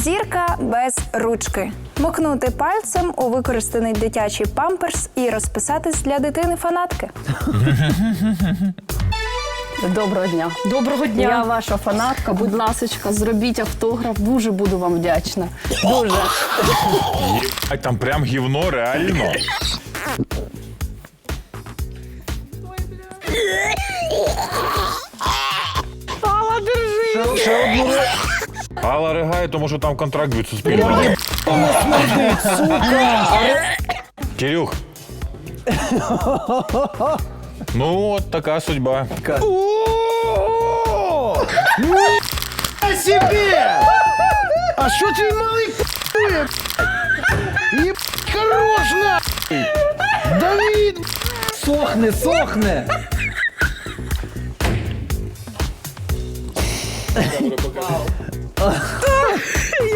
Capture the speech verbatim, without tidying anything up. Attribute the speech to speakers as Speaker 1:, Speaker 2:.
Speaker 1: Зірка без ручки. Мокнути пальцем у використаний дитячий памперс і розписатись для дитини-фанатки.
Speaker 2: Доброго дня.
Speaker 3: Доброго дня.
Speaker 2: Я ваша фанатка. Будь ласочка, зробіть автограф. Дуже буду вам вдячна. Дуже.
Speaker 4: Єбать, там прям гівно, реально.
Speaker 2: Алла, держи!
Speaker 4: Ще одну. Алла ригає, тому що там контракт від Суспільного. Кирюх. Ну, от така судьба.
Speaker 5: А себе! А що твій малий п***ує? Єб хорош нахуй! Давид!
Speaker 6: Сохне, сохне!